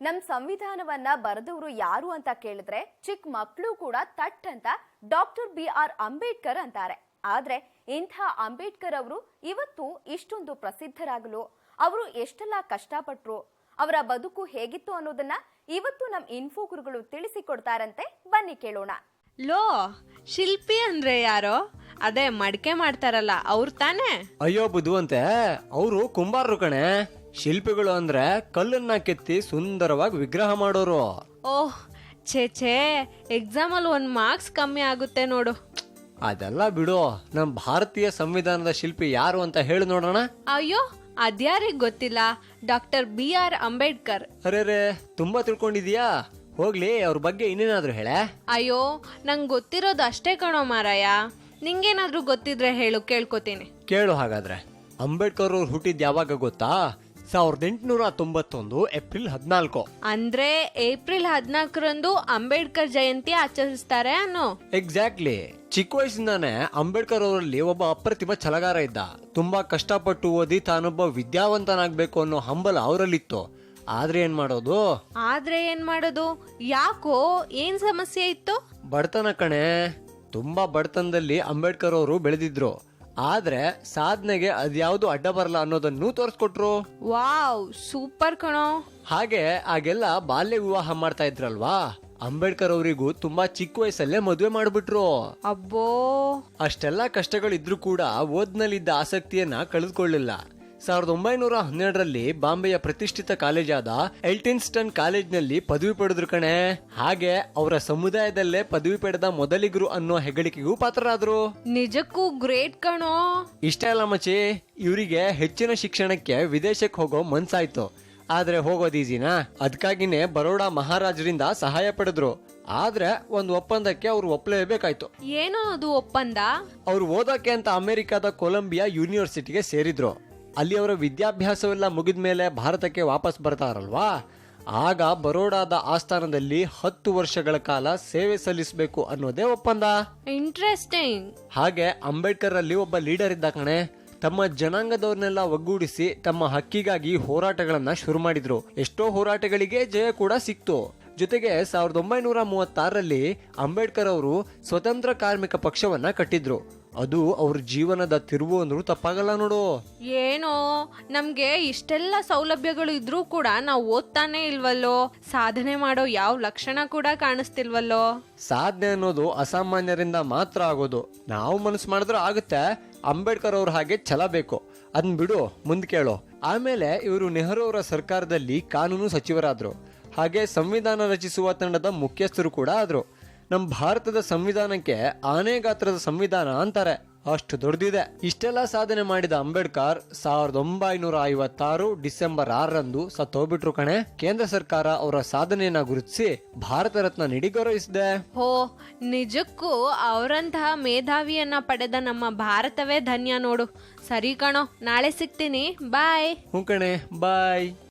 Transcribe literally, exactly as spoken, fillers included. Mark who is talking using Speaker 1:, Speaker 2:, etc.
Speaker 1: ನಮ್ ಸಂವಿಧಾನವನ್ನ ಬರೆದವರು ಯಾರು ಅಂತ ಕೇಳಿದ್ರೆ ಚಿಕ್ಕ ಮಕ್ಕಳು ಕೂಡ ತಟ್ ಅಂತ ಡಾಕ್ಟರ್ ಬಿ ಆರ್ ಅಂಬೇಡ್ಕರ್ ಅಂತಾರೆ. ಆದ್ರೆ ಇಂಥ ಅಂಬೇಡ್ಕರ್ ಅವರು ಇವತ್ತು ಇಷ್ಟೊಂದು ಪ್ರಸಿದ್ಧರಾಗಲು ಅವರು ಎಷ್ಟೆಲ್ಲ ಕಷ್ಟಪಟ್ರು, ಅವರ ಬದುಕು ಹೇಗಿತ್ತು ಅನ್ನೋದನ್ನ ಇವತ್ತು ನಮ್ ಇನ್ಫೋ ಗುರುಗಳು ತಿಳಿಸಿಕೊಡ್ತಾರಂತೆ. ಬನ್ನಿ ಕೇಳೋಣ.
Speaker 2: ಲೋ, ಶಿಲ್ಪಿ ಅಂದ್ರೆ ಯಾರೋ? ಅದೇ ಮಡಿಕೆ ಮಾಡ್ತಾರಲ್ಲ ಅವ್ರು ತಾನೇ?
Speaker 3: ಅಯ್ಯೋ ಬುದ್ಧುವಂತೆ, ಅವರು ಕುಂಬಾರರು ಕಣೆ. ಶಿಲ್ಪಿಗಳು ಅಂದ್ರೆ ಕಲ್ಲನ್ನ ಕೆತ್ತಿ ಸುಂದರವಾಗಿ ವಿಗ್ರಹ ಮಾಡೋರು.
Speaker 2: ಓಹ್ ಛೇ ಛೇ, ಎಕ್ಸಾಮ್ ಅಲ್ಲಿ ಒಂದ್ ಮಾರ್ಕ್ಸ್ ಕಮ್ಮಿ ಆಗುತ್ತೆ ನೋಡು.
Speaker 3: ಅದೆಲ್ಲ ಬಿಡು, ನಮ್ ಭಾರತೀಯ ಸಂವಿಧಾನದ ಶಿಲ್ಪಿ ಯಾರು ಅಂತ ಹೇಳಿ ನೋಡೋಣ.
Speaker 2: ಅಯ್ಯೋ ಅದ್ಯಾರಿಗ್ ಗೊತ್ತಿಲ್ಲ, ಡಾಕ್ಟರ್ ಬಿ ಆರ್ ಅಂಬೇಡ್ಕರ್.
Speaker 3: ಅರೆ ರೇ, ತುಂಬಾ ತಿಳ್ಕೊಂಡಿದೀಯಾ? ಹೋಗ್ಲಿ, ಅವ್ರ ಬಗ್ಗೆ ಇನ್ನೇನಾದ್ರು ಹೇಳೆ.
Speaker 2: ಅಯ್ಯೋ ನಂಗ್ ಗೊತ್ತಿರೋದು ಅಷ್ಟೇ ಕಣೋ ಮಾರಾಯ, ನಿಂಗೇನಾದ್ರೂ ಗೊತ್ತಿದ್ರೆ ಹೇಳು, ಕೇಳ್ಕೊತೀನಿ.
Speaker 3: ಕೇಳು ಹಾಗಾದ್ರೆ. ಅಂಬೇಡ್ಕರ್ ಅವ್ರು ಹುಟ್ಟಿದ್ ಯಾವಾಗ ಗೊತ್ತಾ? ಸಾವಿರದ ಎಂಟುನೂರ ತೊಂಬತ್ತೊಂದು ಏಪ್ರಿಲ್ ಹದಿನಾಲ್ಕು.
Speaker 2: ಅಂದ್ರೆ ಏಪ್ರಿಲ್ ಹದಿನಾಲ್ಕರಂದು ಅಂಬೇಡ್ಕರ್ ಜಯಂತಿ ಆಚರಿಸ್ತಾರೆ ಅನ್ನೋ?
Speaker 3: ಎಕ್ಸಾಕ್ಟ್ಲಿ. ಚಿಕ್ಕ ವಯಸ್ಸಿಂದಾನೆ ಅಂಬೇಡ್ಕರ್ ಅವರಲ್ಲಿ ಒಬ್ಬ ಅಪ್ರತಿಮ ಛಲಗಾರ ಇದ್ದ. ತುಂಬಾ ಕಷ್ಟಪಟ್ಟು ಓದಿ ತಾನೊಬ್ಬ ವಿದ್ಯಾವಂತನಾಗ್ಬೇಕು ಅನ್ನೋ ಹಂಬಲ ಅವರಲ್ಲಿತ್ತು. ಆದ್ರೆ ಏನ್ ಮಾಡೋದು
Speaker 2: ಆದ್ರೆ ಏನ್ ಮಾಡೋದು ಯಾಕೋ, ಏನ್ ಸಮಸ್ಯೆ ಇತ್ತು?
Speaker 3: ಬಡತನ ಕಣೆ. ತುಂಬಾ ಬಡತನದಲ್ಲಿ ಅಂಬೇಡ್ಕರ್ ಅವರು ಬೆಳೆದಿದ್ರು. ಆದ್ರೆ ಸಾಧನೆಗೆ ಅದ್ಯಾವುದು ಅಡ್ಡ ಬರಲ್ಲ ಅನ್ನೋದನ್ನು ತೋರಿಸ್ಕೊಟ್ರು.
Speaker 2: ವಾವ್, ಸೂಪರ್ ಕಣೋ.
Speaker 3: ಹಾಗೆ ಆಗೆಲ್ಲ ಬಾಲ್ಯ ವಿವಾಹ ಮಾಡ್ತಾ ಇದ್ರಲ್ವಾ, ಅಂಬೇಡ್ಕರ್ ಅವರಿಗೂ ತುಂಬಾ ಚಿಕ್ಕ ವಯಸ್ಸಲ್ಲೇ ಮದುವೆ ಮಾಡ್ಬಿಟ್ರು.
Speaker 2: ಅಬ್ಬೋ,
Speaker 3: ಅಷ್ಟೆಲ್ಲಾ ಕಷ್ಟಗಳಿದ್ರು ಕೂಡ ಓದ್ನಲ್ಲಿದ್ದ ಆಸಕ್ತಿಯನ್ನ ಕಳೆದುಕೊಳ್ಳಿಲ್ಲ. ಸಾವಿರದ ಒಂಬೈನೂರ ಹನ್ನೆರಡರಲ್ಲಿ ಬಾಂಬೆಯ ಪ್ರತಿಷ್ಠಿತ ಕಾಲೇಜಾದ ಎಲ್ಟಿನ್ಸ್ಟನ್ ಕಾಲೇಜ್ನಲ್ಲಿ ಪದವಿ ಪಡೆದ್ರು ಕಣೆ. ಹಾಗೆ ಅವರ ಸಮುದಾಯದಲ್ಲೇ ಪದವಿ ಪಡೆದ ಮೊದಲಿಗರು ಅನ್ನೋ ಹೆಗ್ಗಳಿಕೆಗೂ ಪಾತ್ರರಾದ್ರು.
Speaker 2: ನಿಜಕ್ಕೂ ಗ್ರೇಟ್ ಕಣೋ.
Speaker 3: ಇಷ್ಟೇ ಅಲ್ಲ ಮಚಿ, ಇವರಿಗೆ ಹೆಚ್ಚಿನ ಶಿಕ್ಷಣಕ್ಕೆ ವಿದೇಶಕ್ಕೆ ಹೋಗೋ ಮನ್ಸಾಯ್ತು. ಆದ್ರೆ ಹೋಗೋದ್ ಈಸಿನಾ? ಅದಕ್ಕಾಗಿನೇ ಬರೋಡಾ ಮಹಾರಾಜರಿಂದ ಸಹಾಯ ಪಡೆದ್ರು. ಆದ್ರೆ ಒಂದು ಒಪ್ಪಂದಕ್ಕೆ ಅವ್ರು ಒಪ್ಪಲೇಬೇಕಾಯ್ತು.
Speaker 2: ಏನೋ ಅದು ಒಪ್ಪಂದ?
Speaker 3: ಅವ್ರು ಓದೋಕೆ ಅಂತ ಅಮೆರಿಕದ ಕೊಲಂಬಿಯಾ ಯೂನಿವರ್ಸಿಟಿಗೆ ಸೇರಿದ್ರು. ಅಲ್ಲಿ ಅವರ ವಿದ್ಯಾಭ್ಯಾಸವೆಲ್ಲ ಮುಗಿದ ಮೇಲೆ ಭಾರತಕ್ಕೆ ವಾಪಸ್ ಬರ್ತಾರಲ್ವಾ, ಆಗ ಬರೋಡಾದ ಆಸ್ಥಾನದಲ್ಲಿ ಹತ್ತು ವರ್ಷಗಳ ಕಾಲ ಸೇವೆ ಸಲ್ಲಿಸಬೇಕು ಅನ್ನೋದೇ ಒಪ್ಪಂದ.
Speaker 2: ಇಂಟ್ರೆಸ್ಟಿಂಗ್.
Speaker 3: ಹಾಗೆ ಅಂಬೇಡ್ಕರ್ ಅಲ್ಲಿ ಒಬ್ಬ ಲೀಡರ್ ಇದ್ದ ಕಣೆ. ತಮ್ಮ ಜನಾಂಗದವ್ರನ್ನೆಲ್ಲ ಒಗ್ಗೂಡಿಸಿ ತಮ್ಮ ಹಕ್ಕಿಗಾಗಿ ಹೋರಾಟಗಳನ್ನ ಶುರು ಮಾಡಿದ್ರು. ಎಷ್ಟೋ ಹೋರಾಟಗಳಿಗೆ ಜಯ ಕೂಡ ಸಿಕ್ತು. ಜೊತೆಗೆ ಸಾವಿರದ ಒಂಬೈನೂರ ಮೂವತ್ತಾರರಲ್ಲಿ ಅಂಬೇಡ್ಕರ್ ಅವರು ಸ್ವತಂತ್ರ ಕಾರ್ಮಿಕ ಪಕ್ಷವನ್ನ ಕಟ್ಟಿದ್ರು. ಅದು ಅವ್ರ ಜೀವನದ ತಿರುವು ಅಂದ್ರೂ ತಪ್ಪಾಗಲ್ಲ ನೋಡು.
Speaker 2: ಏನೋ, ನಮ್ಗೆ ಇಷ್ಟೆಲ್ಲ ಸೌಲಭ್ಯಗಳು ಇದ್ರೂ ಕೂಡ ನಾವು ಓದ್ತಾನೆ ಇಲ್ವಲ್ಲೋ, ಸಾಧನೆ ಮಾಡೋ ಯಾವ ಲಕ್ಷಣ ಕೂಡ ಕಾಣಿಸ್ತಿಲ್ವಲ್ಲೋ.
Speaker 3: ಸಾಧನೆ ಅನ್ನೋದು ಅಸಾಮಾನ್ಯರಿಂದ ಮಾತ್ರ ಆಗೋದು. ನಾವು ಮನಸ್ಸು ಮಾಡಿದ್ರೆ ಆಗುತ್ತೆ. ಅಂಬೇಡ್ಕರ್ ಅವ್ರ ಹಾಗೆ ಛಲ ಬೇಕು. ಅದನ್ ಬಿಡು, ಮುಂದ್ ಕೇಳೋ. ಆಮೇಲೆ ಇವರು ನೆಹರು ಅವರ ಸರ್ಕಾರದಲ್ಲಿ ಕಾನೂನು ಸಚಿವರಾದ್ರು. ಹಾಗೆ ಸಂವಿಧಾನ ರಚಿಸುವ ತಂಡದ ಮುಖ್ಯಸ್ಥರು ಕೂಡ ಆದ್ರು. ನಮ್ಮ ಭಾರತದ ಸಂವಿಧಾನಕ್ಕೆ ಆನೆ ಗಾತ್ರದ ಸಂವಿಧಾನ ಅಂತಾರೆ, ಅಷ್ಟು ದೊಡ್ಡದಿದೆ. ಇಷ್ಟೆಲ್ಲ ಸಾಧನೆ ಮಾಡಿದ ಅಂಬೇಡ್ಕರ್ ಸಾವಿರದ ಒಂಬೈನೂರ ಐವತ್ತಾರು ಡಿಸೆಂಬರ್ ಆರರಂದು ಸತ್ತೋಗ್ಬಿಟ್ರು ಕಣೆ. ಕೇಂದ್ರ ಸರ್ಕಾರ ಅವರ ಸಾಧನೆಯನ್ನ ಗುರುತಿಸಿ ಭಾರತ ರತ್ನ ನೀಡಿ ಗೌರವಿಸಿದೆ.
Speaker 2: ಹೋ, ನಿಜಕ್ಕೂ ಅವರಂತಹ ಮೇಧಾವಿಯನ್ನ ಪಡೆದ ನಮ್ಮ ಭಾರತವೇ ಧನ್ಯ ನೋಡು. ಸರಿ ಕಣೋ, ನಾಳೆ ಸಿಗ್ತೀನಿ. ಬಾಯ್.
Speaker 3: ಹ್ಞೂ ಕಣೆ, ಬಾಯ್.